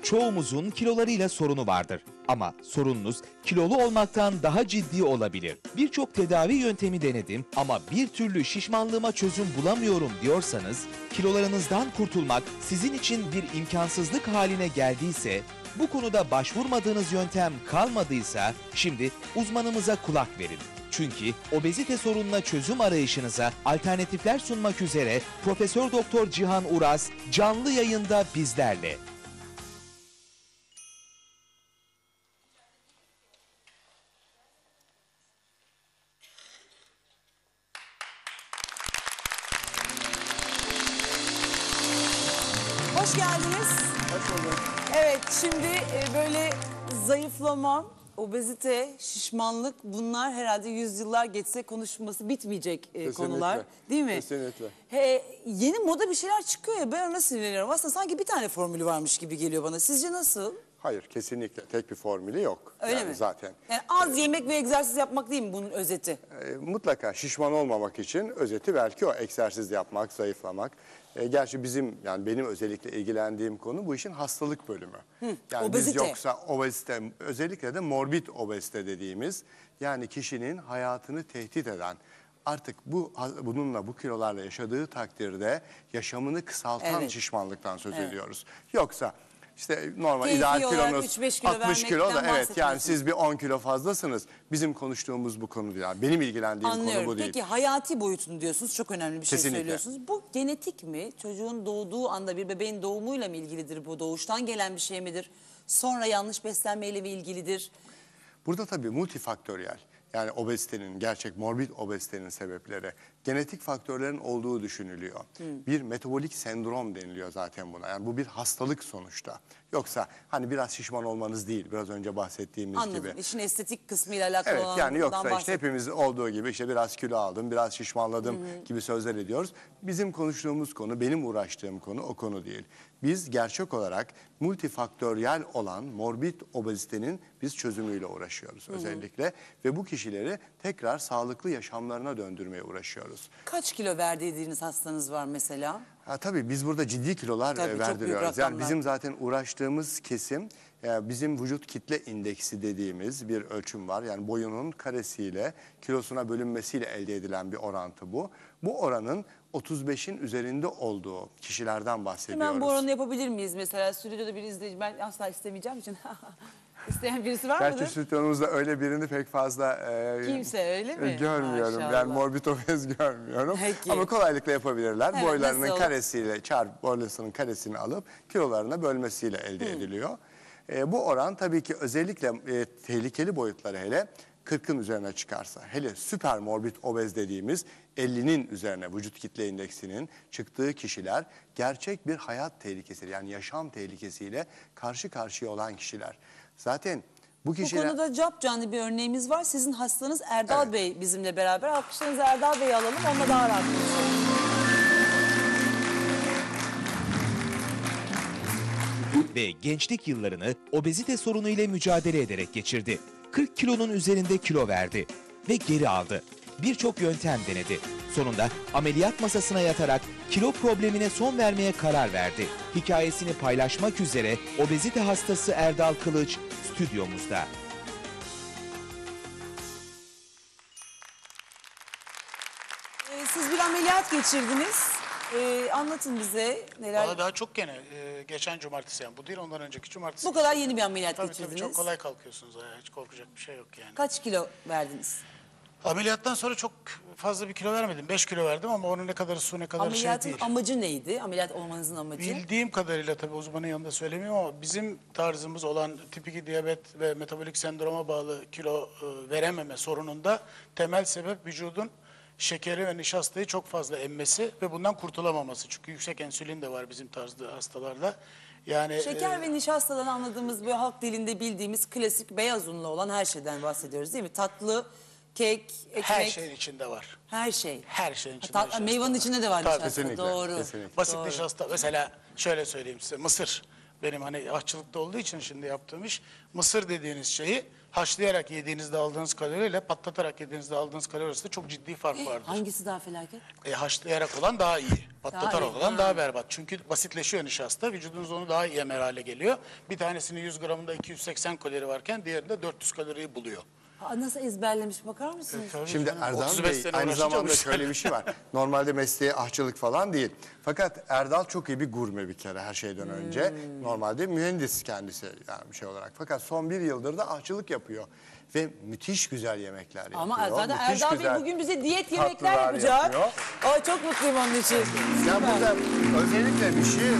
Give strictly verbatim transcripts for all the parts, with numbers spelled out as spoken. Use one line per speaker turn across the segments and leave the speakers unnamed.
Çoğumuzun kilolarıyla sorunu vardır. Ama sorununuz kilolu olmaktan daha ciddi olabilir. Birçok tedavi yöntemi denedim ama bir türlü şişmanlığıma çözüm bulamıyorum diyorsanız, kilolarınızdan kurtulmak sizin için bir imkansızlık haline geldiyse, bu konuda başvurmadığınız yöntem kalmadıysa şimdi uzmanımıza kulak verin. Çünkü obezite sorununa çözüm arayışınıza alternatifler sunmak üzere Profesör Doktor Cihan Uras canlı yayında bizlerle.
Hoş geldiniz.
Hoş bulduk.
Evet, şimdi e, böyle zayıflama, obezite, şişmanlık, bunlar herhalde yüzyıllar geçse konuşulması bitmeyecek e, konular. Değil mi?
Kesinlikle.
He, yeni moda bir şeyler çıkıyor ya, ben ona sinirleniyorum. Aslında sanki bir tane formülü varmış gibi geliyor bana. Sizce nasıl?
Hayır, kesinlikle tek bir formülü yok.
Öyle
yani
mi?
Zaten.
Yani az yemek ve egzersiz yapmak değil mi bunun özeti?
E, mutlaka şişman olmamak için özeti belki o egzersiz yapmak, zayıflamak. E, gerçi bizim, yani benim özellikle ilgilendiğim konu bu işin hastalık bölümü. Hı, yani
obezite.
Biz yoksa obezite, özellikle de morbid obezite dediğimiz, yani kişinin hayatını tehdit eden, artık bu bununla, bu kilolarla yaşadığı takdirde yaşamını kısaltan
Evet.
şişmanlıktan söz
Evet.
ediyoruz. Yoksa işte normal
Keyfi
ideal
olarak
kilonuz
üç beş kilo
altmış kilo da,
vermekten
evet, yani
bahsetmiyorsunuz.
siz bir on kilo fazlasınız. Bizim konuştuğumuz bu konu değil. Yani benim ilgilendiğim
Anlıyorum.
konu bu değil.
Peki hayati boyutunu diyorsunuz, çok önemli bir şey
Kesinlikle.
söylüyorsunuz. Bu genetik mi? Çocuğun doğduğu anda bir bebeğin doğumuyla mı ilgilidir bu? Doğuştan gelen bir şey midir? Sonra yanlış beslenmeyle mi ilgilidir?
Burada tabii multifaktöriyel, yani obezitenin, gerçek morbid obezitenin sebepleri genetik faktörlerin olduğu düşünülüyor. Hmm. Bir metabolik sendrom deniliyor zaten buna. Yani bu bir hastalık sonuçta. Yoksa hani biraz şişman olmanız değil, biraz önce bahsettiğimiz
Anladım.
gibi.
İşin estetik kısmıyla alakalı
Evet,
olan.
yani yoksa işte hepimiz olduğu gibi işte biraz kilo aldım, biraz şişmanladım hmm. gibi sözler ediyoruz. Bizim konuştuğumuz konu, benim uğraştığım konu o konu değil. Biz gerçek olarak multifaktöriyel olan morbid obezitenin biz çözümüyle uğraşıyoruz hmm. özellikle. Ve bu kişileri tekrar sağlıklı yaşamlarına döndürmeye uğraşıyoruz.
Kaç kilo verdiğiniz hastanız var mesela?
Ha, tabii biz burada ciddi kilolar
Tabii,
e, verdiriyoruz. Yani bizim zaten uğraştığımız kesim, e, bizim vücut kitle indeksi dediğimiz bir ölçüm var. Yani boyunun karesiyle kilosuna bölünmesiyle elde edilen bir orantı bu. Bu oranın otuz beşin üzerinde olduğu kişilerden bahsediyoruz.
Hemen bu oranı yapabilir miyiz mesela? Stüdyoda bir izleyici, ben asla istemeyeceğim için. İsteyen birisi var mıdır?
Gerçi stüdyomuzda öyle birini pek fazla e,
Kimse öyle mi?
görmüyorum.
Maşallah.
Ben morbid obez görmüyorum.
Peki.
Ama kolaylıkla yapabilirler.
Evet,
Boylarının
nasıl?
karesiyle, çarpı boylarının karesini alıp kilolarına bölmesiyle elde hmm. ediliyor. E, bu oran tabii ki özellikle e, tehlikeli boyutları hele kırkın üzerine çıkarsa, hele süper morbid obez dediğimiz ellinin üzerine vücut kitle indeksinin çıktığı kişiler gerçek bir hayat tehlikesi, yani yaşam tehlikesiyle karşı karşıya olan kişiler. Zaten bu kişiler...
Bu konuda capcanlı bir örneğimiz var. Sizin hastanız Erdal
Evet.
Bey bizimle beraber. Alkışlarınızı Erdal Bey'i alalım. Onunla daha rahat konuşalım.
Ve gençlik yıllarını obezite sorunu ile mücadele ederek geçirdi. kırk kilonun üzerinde kilo verdi ve geri aldı. Birçok yöntem denedi. Sonunda ameliyat masasına yatarak kilo problemine son vermeye karar verdi. Hikayesini paylaşmak üzere obezite hastası Erdal Kılıç stüdyomuzda.
Ee, siz bir ameliyat geçirdiniz. Ee, anlatın bize neler...
Valla daha çok gene. Ee, geçen cumartesi, yani bu değil, ondan önceki cumartesi.
Bu kadar yeni bir ameliyat
Tabii
geçirdiniz.
tabii, çok kolay kalkıyorsunuz ayağa. Hiç korkacak bir şey yok yani.
Kaç kilo verdiniz?
Ameliyattan sonra çok fazla bir kilo vermedim. beş kilo verdim ama onun ne kadarı su, ne kadar şey
Ameliyatın
değil.
amacı neydi? Ameliyat olmanızın amacı?
Bildiğim kadarıyla, tabii uzmanın yanında söylemiyorum ama bizim tarzımız olan tip iki diyabet ve metabolik sendroma bağlı kilo e, verememe sorununda temel sebep vücudun şekeri ve nişastayı çok fazla emmesi ve bundan kurtulamaması. Çünkü yüksek insülin de var bizim tarzda hastalarda. Yani
Şeker
e,
ve nişastadan anladığımız, böyle halk dilinde bildiğimiz klasik beyaz unlu olan her şeyden bahsediyoruz değil mi? Tatlı, kek, ekmek.
her şeyin içinde var.
Her şey.
Her şeyin içinde
Ta-
nişasta
meyvanın
var.
içinde de var
Tabii,
nişasta.
kesinlikle,
Doğru.
kesinlikle.
Basit
Doğru.
nişasta, mesela şöyle söyleyeyim size, mısır. benim hani aşçılıkta olduğu için şimdi yaptığım iş, mısır dediğiniz şeyi haşlayarak yediğinizde aldığınız kaloriyle patlatarak yediğinizde aldığınız kalori arasında çok ciddi fark vardır.
Hangisi daha felaket?
E, haşlayarak olan daha iyi. Patlatarak
iyi,
olan
ha.
daha berbat. Çünkü basitleşiyor nişasta. Vücudunuz onu daha iyi emer hale geliyor. Bir tanesinin yüz gramında iki yüz seksen kalori varken diğerinde dört yüz kaloriyi buluyor.
Aa, nasıl ezberlemiş bakar mısınız?
Şimdi Erdal
otuz beş
Bey
sene
aynı
uğraşınca
zamanda
bu
şöyle
işler-
bir şey var. Normalde mesleği ahçılık falan değil. Fakat Erdal çok iyi bir gurme bir kere her şeyden önce.
Hmm.
Normalde mühendis kendisi yani bir şey olarak. Fakat son bir yıldır da ahçılık yapıyor. Ve müthiş güzel yemekler yapıyor.
Ama zaten
Müthiş
Erdal Bey
güzel
bugün bize diyet yemekler
tatlılar
yapacak.
yapıyor.
Ay çok mutluyum onun için.
Ya
Süper.
burada özellikle bir şey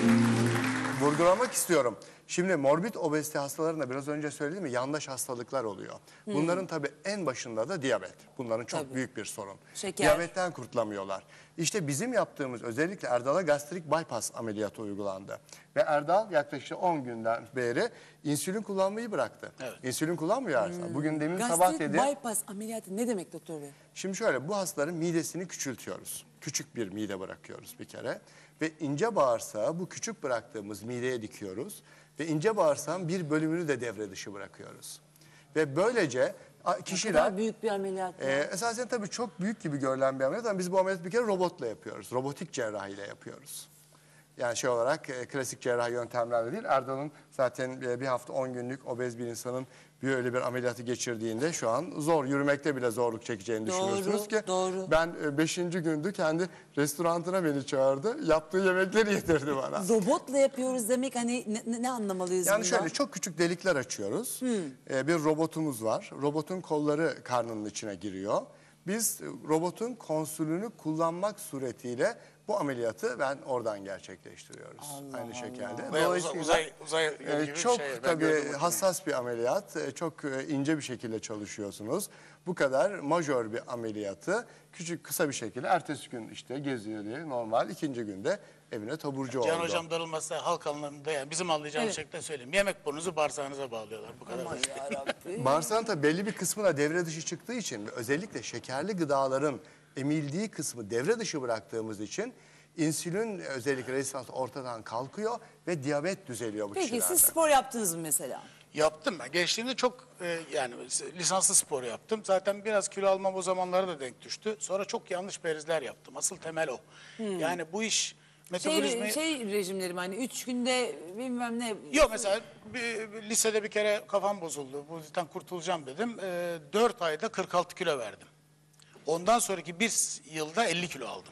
vurgulamak istiyorum. Şimdi morbid obezite hastalarında biraz önce söyledim mi yandaş hastalıklar oluyor. Bunların tabii en başında da diyabet. Bunların çok
Tabii.
büyük bir sorun.
Şeker.
Diyabetten kurtulamıyorlar. İşte bizim yaptığımız özellikle Erdal'a gastrik bypass ameliyatı uygulandı. Ve Erdal yaklaşık on günden beri insülin kullanmayı bıraktı.
Evet.
İnsülin kullanmıyor Erdal. Bugün demin sabah
Gastrik
dedi.
bypass ameliyatı ne demek doktor bey?
Şimdi şöyle bu hastaların midesini küçültüyoruz. Küçük bir mide bırakıyoruz bir kere. Ve ince bağırsağı bu küçük bıraktığımız mideye dikiyoruz. Ve ince bağırsağın bir bölümünü de devre dışı bırakıyoruz. Ve böylece a,
Ne
kişiler...
kadar büyük bir ameliyat. ya.
Ee, esasen tabii çok büyük gibi görülen bir ameliyat ama biz bu ameliyatı bir kere robotla yapıyoruz. Robotik cerrahiyle yapıyoruz. Yani şey olarak e, klasik cerrahi yöntemlerle değil. Erdal'ın zaten e, bir hafta on günlük obez bir insanın bir öyle bir ameliyatı geçirdiğinde şu an zor, yürümekte bile zorluk çekeceğini
Doğru,
düşünürsünüz ki.
doğru.
Ben e, beşinci gündü kendi restorantına beni çağırdı. Yaptığı yemekleri yedirdi bana.
Robotla yapıyoruz demek hani ne, ne- ne anlamalıyız
Yani
bundan?
şöyle çok küçük delikler açıyoruz. Ee, bir robotumuz var. Robotun kolları karnının içine giriyor. Biz e, robotun konsülünü kullanmak suretiyle bu ameliyatı ben oradan gerçekleştiriyoruz. Aynı şekilde.
Bayağı
Dolayısıyla,
uzay- uzay
e,
gibi bir
çok
şey. Ben
tabii
gördüm onu.
hassas bir ameliyat. E, Çok e, ince bir şekilde çalışıyorsunuz. Bu kadar majör bir ameliyatı küçük kısa bir şekilde ertesi gün işte geziyor diye normal ikinci günde evine taburcu oldu.
Can hocam darılmazsa halk anlamında yani bizim anlayacağımız
Evet.
şekilde söyleyeyim. Yemek burnunuzu bağırsağınıza bağlıyorlar. Bu kadar basit.
Bağırsağın tabii belli bir kısmı da devre dışı çıktığı için ve özellikle şekerli gıdaların emildiği kısmı devre dışı bıraktığımız için insülin özellikle rezistans ortadan kalkıyor ve diyabet düzeliyor bu
Peki
kişilerde.
siz spor yaptınız mı mesela?
Yaptım ben. Gençliğimde çok e, yani lisanslı spor yaptım. Zaten biraz kilo almam o zamanlara da denk düştü. Sonra çok yanlış perizler yaptım. Asıl temel o. Yani bu iş metabolizmayı...
Şey, şey rejimlerim hani üç günde bilmem ne.
Yok mesela bir, bir lisede bir kere kafam bozuldu. Bu yüzden kurtulacağım dedim. E, dört ayda kırk altı kilo verdim. Ondan sonraki bir yılda elli kilo aldım.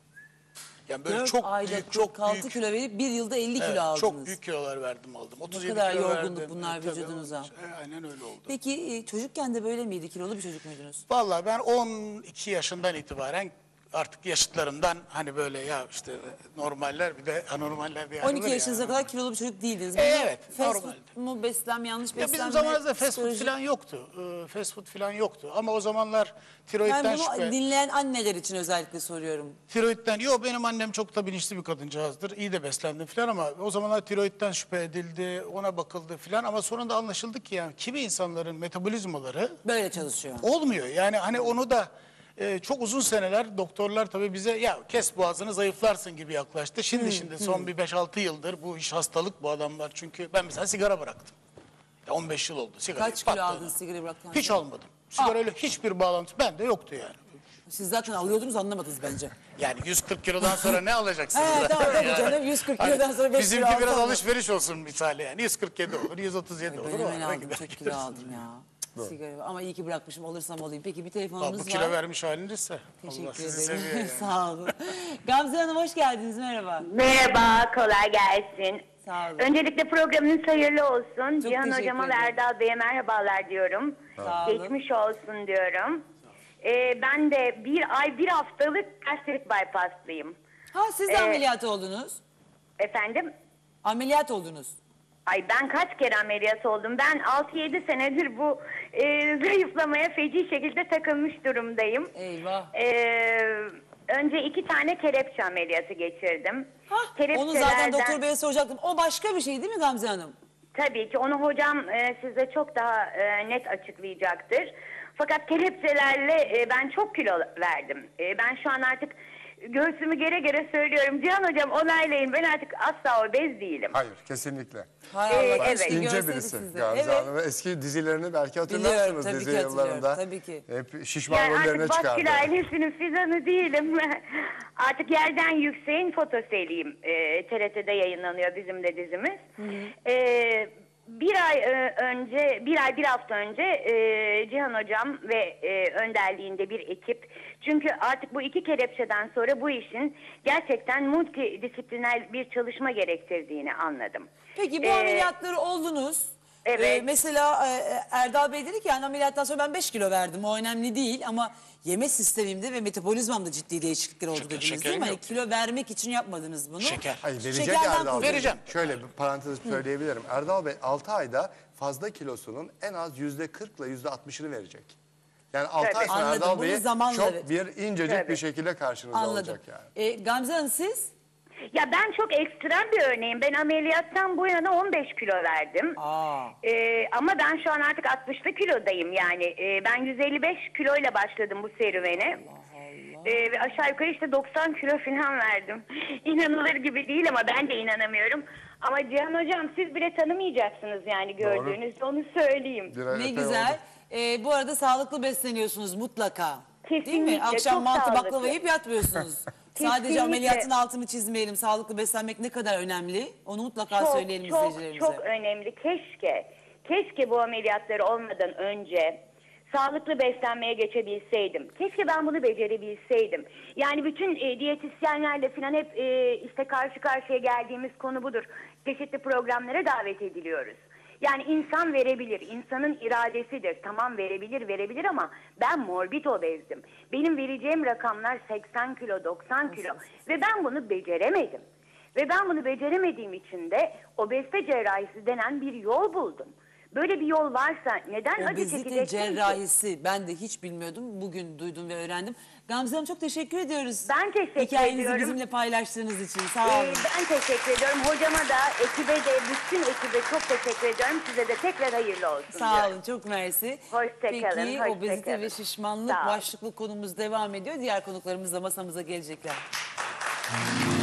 Yani böyle
Dört
çok
ayda
büyük, çok
kırk altı
büyük.
kilo verip bir yılda elli
Evet,
kilo aldınız.
çok büyük kilolar verdim aldım. otuz yedi
kadar
kilo
yorgunluk
verdim.
bunlar
Evet, tabii.
vücudunuza.
E, aynen öyle oldu.
Peki e, çocukken de böyle miydi? Kilolu bir çocuk muydunuz?
Vallahi ben on iki yaşından itibaren artık yaşıtlarımdan hani böyle ya işte normaller bir de anormaller diye
on iki
ayrılır
yaşınıza
ya.
kadar kilolu bir çocuk değildiniz.
E,
Bunu
evet,
Fast
normalde.
food mu beslenme, yanlış
Ya
beslenme?
bizim zamanımızda fast food
psikoloji-
falan yoktu. Ee, fast food falan yoktu. Ama o zamanlar tiroidden
Ben bunu
şüphe.
dinleyen anneler için özellikle soruyorum.
Tiroidden, yok benim annem çok da bilinçli bir kadıncağızdır. İyi de beslendim falan ama o zamanlar tiroidden şüphe edildi, ona bakıldı falan. Ama sonunda anlaşıldı ki yani kimi insanların metabolizmaları
Böyle çalışıyor.
olmuyor. Yani hani onu da e, çok uzun seneler doktorlar tabii bize ya kes boğazını zayıflarsın gibi yaklaştı. Şimdi şimdi son bir beş altı yıldır bu iş hastalık bu adamlar. Çünkü ben mesela sigara bıraktım. Ya on beş yıl oldu sigara.
Kaç kilo aldın sigara bıraktıktan
Hiç
sonra?
almadım. Sigarayla hiçbir bağlantı bende yoktu yani.
Siz zaten alıyordunuz anlamadınız bence.
Yani yüz kırk kilodan sonra ne alacaksınız?
He, tamam, tabii
Yani.
canım, yüz kırk
Hani
kilodan sonra beş
bizimki
kilo
biraz
alsam da-
alışveriş olsun misali yani. yüz kırk yedi olur, yüz otuz yedi olur.
Ben
o
hemen
arada
aldım,
gider
çok kilo
geliriz.
aldım ya. Sigara. Ama iyi ki bırakmışım, olursam olayım. Peki bir
Aa,
telefonumuz
bu
var.
kilo vermiş halinizse Allah
Teşekkür
sizi
ederim.
seviyor yani.
Sağ olun. Gamze Hanım hoş geldiniz, merhaba.
Merhaba, kolay gelsin.
Sağ olun.
Öncelikle programınız hayırlı olsun.
Çok
Cihan
teşekkür
Hocama ve
ederim.
Erdal Bey'e merhabalar diyorum.
Sağ olun.
Geçmiş olsun diyorum. Ee, ben de bir ay bir haftalık gastrik bypasslıyım.
Ha siz de
Ee,
ameliyat oldunuz.
Efendim?
Ameliyat oldunuz.
Ay ben kaç kere ameliyat oldum. Ben altı yedi senedir bu e, zayıflamaya feci şekilde takılmış durumdayım.
Eyvah.
Ee, önce iki tane kelepçe ameliyatı geçirdim.
Hah, onu zaten
Kelepçelerden-
doktor beye soracaktım. O başka bir şey değil mi Gamze Hanım?
Tabii ki onu hocam e, size çok daha e, net açıklayacaktır. Fakat kelepçelerle e, ben çok kilo verdim. E, ben şu an artık göğsümü gere gere söylüyorum. Cihan Hocam onaylayın, ben artık asla obez değilim.
Hayır, kesinlikle.
Hay
Ee,
Allah,
evet.
keşke
İnce
görseydik
birisi.
sizi.
Gamze
Evet.
Hanım. Eski dizilerini belki
Biliyorum,
hatırlarsınız
tabii
dizi
ki hatırlıyorum,
yıllarında.
tabii ki.
Hep şişman
Yani
rollerine
artık
çıkardı.
Baskül ailesinin Fizan'ı değilim. Artık Yerden Yüksek'in fotoseriyim. Ee, T R T'de yayınlanıyor bizim de dizimiz. Ee, bir ay e, önce, bir ay bir hafta önce e, Cihan Hocam ve e, önderliğinde bir ekip. Çünkü artık bu iki kelepçeden sonra bu işin gerçekten multidisipliner bir çalışma gerektirdiğini anladım.
Peki bu
Ee,
ameliyatları oldunuz.
Evet.
Ee, mesela e, Erdal Bey dedi ki yani ameliyattan sonra ben beş kilo verdim. O önemli değil ama yeme sistemimde ve metabolizmamda ciddi değişiklikler oldu
Şeker-
dediniz değil
şekerim
mi? Hani
yok.
kilo vermek için yapmadınız bunu.
Şeker.
Hayır, verecek
Şekerden
Erdal Bey.
kurtuldunuz.
Vereceğim.
Şöyle bir parantez söyleyebilirim. Erdal Bey altı ayda fazla kilosunun en az yüzde kırk ile yüzde altmışını verecek. Yani altı
Tabii.
ay sonra
Anladım,
Erdal
bunu
Bey
zamanla
çok
evet.
bir incecik
Tabii.
bir şekilde karşınızda
Anladım.
olacak yani.
Ee, Gamze Hanım siz?
Ya ben çok ekstrem bir örneğim. Ben ameliyattan bu yana on beş kilo verdim.
Aa.
Ee, ama ben şu an artık altmışlı kilodayım yani. Ee, ben yüz elli beş kiloyla başladım bu serüvene. Ee, ve aşağı yukarı işte doksan kilo falan verdim. İnanılır gibi değil ama ben de inanamıyorum. Ama Cihan Hocam siz bile tanımayacaksınız yani gördüğünüzde, onu söyleyeyim.
Bir ay
Ne
epey
güzel.
oldu.
Ee, bu arada sağlıklı besleniyorsunuz mutlaka. Değil mi?
Kesinlikle,
Akşam
çok
mantı
sağlıklı.
baklava yiyip yatmıyorsunuz. Sadece
Kesinlikle.
ameliyatın altını çizmeyelim. Sağlıklı beslenmek ne kadar önemli. Onu mutlaka
Çok
söyleyelim
çok
izleyicilerimize.
çok önemli. Keşke, keşke bu ameliyatları olmadan önce sağlıklı beslenmeye geçebilseydim. Keşke ben bunu becerebilseydim. Yani bütün e, diyetisyenlerle falan hep e, işte karşı karşıya geldiğimiz konu budur. Çeşitli programlara davet ediliyoruz. Yani insan verebilir, insanın iradesidir. Tamam verebilir, verebilir ama ben morbid obezdim. Benim vereceğim rakamlar seksen kilo, doksan kilo ve ben bunu beceremedim. Ve ben bunu beceremediğim için de obezite cerrahisi denen bir yol buldum. Böyle bir yol varsa neden acı
Obezite
çekeceksin ki?
cerrahisi. Ben de hiç bilmiyordum. Bugün duydum ve öğrendim. Gamze Hanım çok teşekkür ediyoruz.
Ben teşekkür
Hikayenizi
ediyorum.
bizimle paylaştığınız için. Sağ
Ee,
olun.
ben teşekkür ediyorum. Hocama da, ekibe de, bütün ekibe çok teşekkür ediyorum. Size de tekrar hayırlı olsun
Sağ
diyorum.
olun. Çok mersi.
Hoşça
Peki
kalın, hoşça
obezite
kalın.
ve şişmanlık
Sağ olun.
başlıklı konumuz devam ediyor. Diğer konuklarımız da masamıza gelecekler.